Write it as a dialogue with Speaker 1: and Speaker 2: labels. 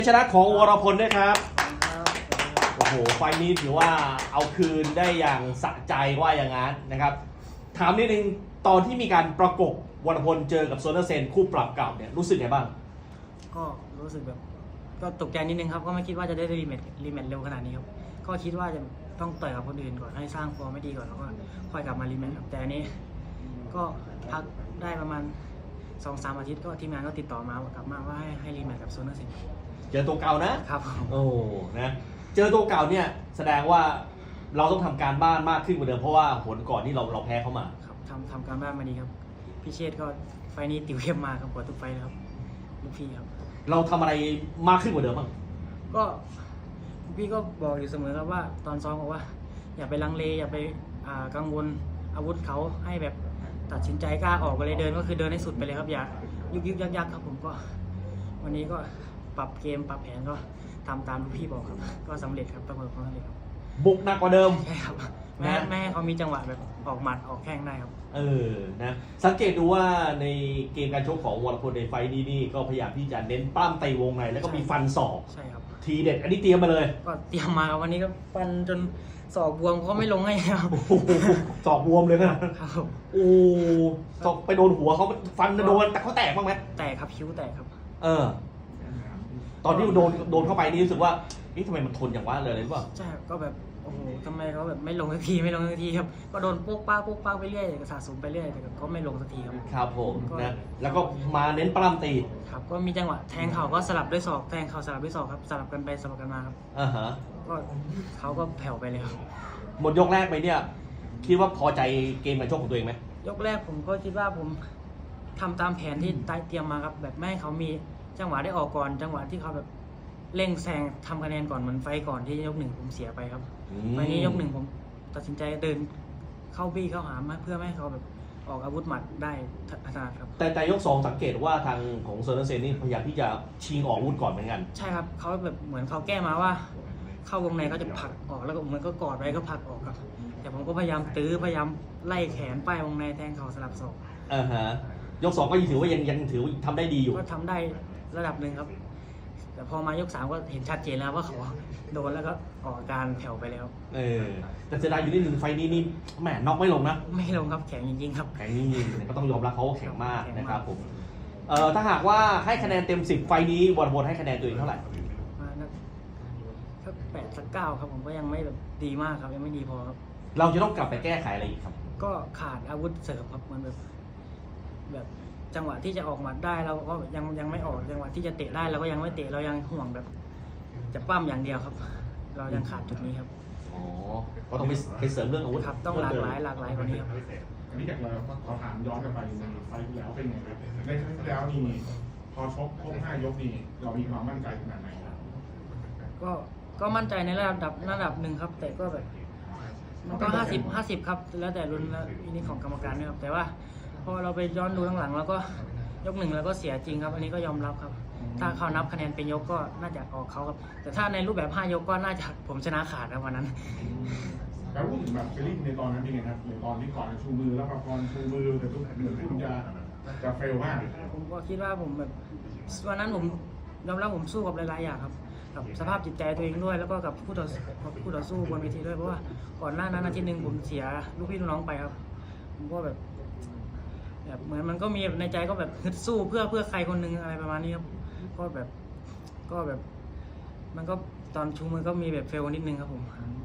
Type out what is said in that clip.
Speaker 1: ชนะของวรพลด้วยครับโอ้โหไฟล์นี้ถือว่าเอาคืนได้อย่างสะใจว่าอย่างนั้นนะครับถามนิดนึงตอนที่มีการประกบวรพลเจอกับโซนเซนคู่ปรับเก่าเนี่ยรู้สึกไงบ้าง
Speaker 2: ก็รู้สึกแบบก็ตกใจนิดนึงครับก็ไม่คิดว่าจะได้รีแมตช์เร็วขนาดนี้ครับก็คิดว่าจะต้องต่อยกับคนอื่นก่อนให้สร้างฟอร์มไม่ดีก่อนแล้วก็ค่อยกลับมารีแมตช์ครับแต่อันนี้ก็พักได้ประมาณ 2-3 อาทิตย์ก็ทีมงานก็ติดต่อมากลับมาว่าให้รีแมตช์กับโซนเซน
Speaker 1: เจอตัวเก่านะครับ
Speaker 2: โอ้
Speaker 1: นะเจอตัวเก่าเนี่ยแสดงว่าเราต้องทำการบ้านมากขึ้นกว่าเดิมเพราะว่าผลก่อนที่เราแพ้เขามา
Speaker 2: ครับทำการบ้านมาดีครับพี่เชษก็ไฟนี้ติวเข้มมาครับกว่าทุกไฟเลยครับลูกพี่ครับ
Speaker 1: เราทำอะไรมากขึ้นกว่าเดิมบ้าง
Speaker 2: ก็พี่ก็บอกอยู่เสมอครับว่าตอนซ้อมบอกว่าอย่าไปลังเลอย่าไปกังวลอาวุธเขาให้แบบตัดสินใจกล้าออกไปเลยเดินก็คือเดินให้สุดไปเลยครับอย่ายุกยักครับผมก็วันนี้ก็ปรับเกมปรับแผนก็ทำตามลูกพี่บอกครับก็สำเร็จครับประสบความสำเร็จครับ
Speaker 1: บุกหนักกว่าเดิม
Speaker 2: ใช่ครับแม่ให้เขามีจังหวะแบบออกหมัดออกแข้งได้ครับ
Speaker 1: นะสังเกตดูว่าในเกมการชกของวรพลในไฟล์นี้นี่ก็พยายามที่จะเน้นปั้มตีวงในแล้วก็มีฟันศอก
Speaker 2: ใช่ครับ
Speaker 1: ทีเด็ดอันนี้เตรียมมาเลย
Speaker 2: ก็เตรียมมาวันนี้ก็ฟันจนศอกบวมเขาไม่ลงให้ครับ
Speaker 1: ศอกบวมเลยนะครับโอ้ศอกไปโดนหัวเขาฟันโดนแต่เขาแตกบ้างไหม
Speaker 2: แตกครับคิ้วแตกครับ
Speaker 1: ตอนที่โดนเข้าไปนี่รู้สึกว่านี่ทำไมมันทนอย่างว่าเลยหรือเปล่า
Speaker 2: ใช่ก็แบบโอ้โหทำไมเขาแบบไม่ลงสักทีครับก็โดนโป๊กป้าไปเรื่อยสะสมไปเรื่อยแต่ก็ไม่ลงสักทีครับ
Speaker 1: ครับผมนะแล้วก็มาเน้นปล้ำตี
Speaker 2: ครับก็มีจังหวะแทงเข่าก็สลับด้วยศอกแทงเข่าสลับด้วยศอกครับสลับกันไปสลับกันมาครับก็เขาก็แผ่วไปเลยครับ
Speaker 1: หมดยกแรกไปเนี่ยคิดว่าพอใจเกมการชกของตัวเองไหม
Speaker 2: ยกแรกผมก็คิดว่าผมทำตามแผนที่เตรียมมาครับแบบไม่ให้เขามีจังหวะได้ออกก่อนจังหวะที่เขาแบบเร่งแซงทำคะแนนก่อนเหมือนไฟก่อนที่ยกหนึ่งผมเสียไปครับไฟนี้ยกหนึ่งผมตัดสินใจเดินเข้าบี้เข้าหามาเพื่อไม่ให้เขาแบบออกอาวุธหมัดได้ถนัดครับ
Speaker 1: แต่ยก2สังเกตว่าทางของเซอร์เซนนี่พยายามที่จะชิงออกอาวุธก่อนเหมือนกัน
Speaker 2: ใช่ครับเขาแบบเหมือนเขาแก้มาว่าเข้าวงในเขาจะผลักออกแล้วก็เหมือนก็กอดไว้ก็ผลักออกครับแต่ผมก็พยายามพยายามไล่แขนป้ายวงในแทงเข่าสลับศอก
Speaker 1: ยก2ก็ถือว่ายังถือทำได้ดีอยู่
Speaker 2: ก็ทำได้ระดับหนึ่งครับแต่พอมายก3ก็เห็นชัดเจนแล้วว่าเขาโดนแล้วก็ออกอาการแผ่วไปแล้ว
Speaker 1: แต่เสียดายอยู่นิดนึงไฟนี้นี่แหมน็อกไม่ลงนะ
Speaker 2: ไม่ลงครับแข็งจริงๆครับ
Speaker 1: แข็งจริงๆก็ต้องยอมรับเขาแข็งมากนะครับผมถ้าหากว่าให้คะแนนเต็ม10ไฟนี้วรพลให้คะแนนตัวเองเท่าไหร่
Speaker 2: สัก8สัก9ครับผมก็ยังไม่แบบดีมากครับยังไม่ดีพอครับ
Speaker 1: เราจะต้องกลับไปแก้ไขอะไรอีกครับ
Speaker 2: ก็ขาดอาวุธเสริมครับมันแบบจังหวะที่จะออกหมัดได้เราก็ยังไม่ออกจังหวะที่จะเตะได้เราก็ยังไม่เตะเรายังห่วงแบบจะปั้มอย่างเดียวครับเรายังขาดจุดนี้ครับ
Speaker 1: ก็ต้องไปเสริมเรื่องอาวุธ
Speaker 2: ครับต้องหลากหลายกว่านี้ครับ
Speaker 3: อันนี้จากเราขอถามย้อนกลับไปในไฟที่แล้วเป็นไงครับในครั้งที่แล้วนี่พอชกครบ5 ยกนี่เรามีความมั่นใจขนาดไหนครับ
Speaker 2: ก็มั่นใจในระดับหนึ่งครับแต่ก็แบบมันก็50ครับแล้วแต่รุ่นนี้ของกรรมการนะครับแต่ว่าพอเราไปย้อนดูข้างหลังแล้วก็ยก1แล้วก็เสียจริงครับอันนี้ก็ยอมรับครับถ้าเขานับคะแนนเป็นยกก็น่าจะออกเขาครับแต่ถ้าในรูปแบบ5 ยกก็น่าจะผมชนะขาดครับวันนั้น
Speaker 3: แล้วพูดถึงแบบฟีลลิ่งในตอนนั้นเป็นไงครับในตอนที่ก่อนชูมือแล้วพอชูมือแต่ทุกเหมือนคุณจะเฟลมาก
Speaker 2: ผมก็คิดว่าผมแบบวันนั้นผมยอมรับผมสู้กับหลายๆอย่างครับกับสภาพจิตใจตัวเองด้วยแล้วก็กับคู่ต่อสู้บนเวทีด้วยเพราะว่าก่อนหน้านั้นอาทิตย์นึงผมเสียลูกพี่ลูกน้องไปครับผมก็แบบเหมือนมันก็มีในใจก็แบบฮึดสู้เพื่อใครคนหนึ่งอะไรประมาณนี้ครับก็แบบมันก็ตอนชูมือก็มีแบบเฟลนิดนึงครับผม